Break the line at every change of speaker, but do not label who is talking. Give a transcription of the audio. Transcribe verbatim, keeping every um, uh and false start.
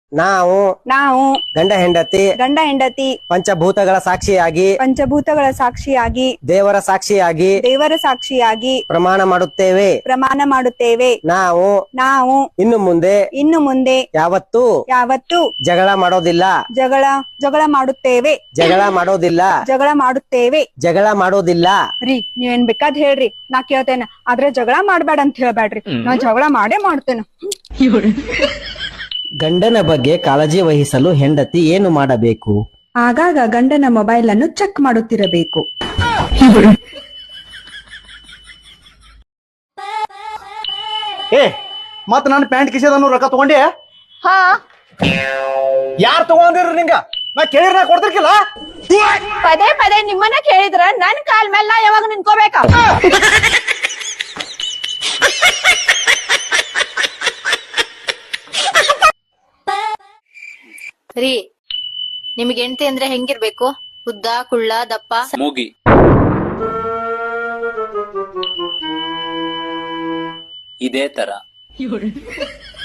ನಾವು
ನಾವು
ಗಂಡ ಹೆಂಡತಿ
ಗಂಡ ಹೆಂಡತಿ
ಪಂಚಭೂತಗಳ ಸಾಕ್ಷಿಯಾಗಿ
ಪಂಚಭೂತಗಳ ಸಾಕ್ಷಿಯಾಗಿ
ದೇವರ ಸಾಕ್ಷಿಯಾಗಿ
ದೇವರ ಸಾಕ್ಷಿಯಾಗಿ
ಪ್ರಮಾಣ ಮಾಡುತ್ತೇವೆ.
ಪ್ರಮಾಣ ಮಾಡುತ್ತೇವೆ.
ನಾವು
ನಾವು
ಇನ್ನು ಮುಂದೆ
ಇನ್ನು ಮುಂದೆ
ಯಾವತ್ತೂ
ಯಾವತ್ತೂ
ಜಗಳ ಮಾಡೋದಿಲ್ಲ.
ಜಗಳ ಜಗಳ ಮಾಡುತ್ತೇವೆ.
ಜಗಳ ಮಾಡೋದಿಲ್ಲ.
ಜಗಳ ಮಾಡುತ್ತೇವೆ.
ಜಗಳ ಮಾಡೋದಿಲ್ಲ.
ರೀ ನೀವೇನ್ ಬೇಕಾದ್ ಹೇಳ್ರಿ, ನಾ ಕೇಳ್ತೇನೆ, ಆದ್ರೆ ಜಗಳ ಮಾಡ್ಬೇಡ ಅಂತ ಹೇಳ್ಬೇಡ್ರಿ. ನಾ ಜಗಳ ಮಾಡೇ ಮಾಡ್ತೇನೆ.
ಗಂಡನ ಬಗ್ಗೆ ಕಾಳಜಿ ವಹಿಸಲು ಹೆಂಡತಿ ಏನು ಮಾಡಬೇಕು?
ಆಗಾಗ ಗಂಡನ ಮೊಬೈಲ್ ಅನ್ನು ಚೆಕ್ ಮಾಡುತ್ತಿರಬೇಕು.
ಏ ಮತ್ ನನ್ನ ಪ್ಯಾಂಟ್ ಕಿಸೆದನ್ನು ರೊಕ್ಕ ತಗೊಂಡೆ?
ಹಾ,
ಯಾರ್ ತಗೊಂಡಿರ್ರಿ ನಿಂಗ? ನಾ ಕೇಳಿರ ನಾ ಕೊಡ್ತಿರ್ಕಿಲ್ಲ.
ಪದೇ ಪದೇ ನಿಮ್ಮನ್ನ ಕೇಳಿದ್ರ ನನ್ ಕಾಲ್ ಮೇಲೆ ನಾ ಯಾವಾಗ ನಿಂತ್ಕೋಬೇಕ?
ರೀ, ನಿಮ್ಗೆ ಹೆಂಡತಿ ಅಂದ್ರೆ ಹೆಂಗಿರ್ಬೇಕು? ಉದ್ದ, ಕುಳ್ಳ, ದಪ್ಪ?
ಮೂಗಿ. ಇದೇ ತರ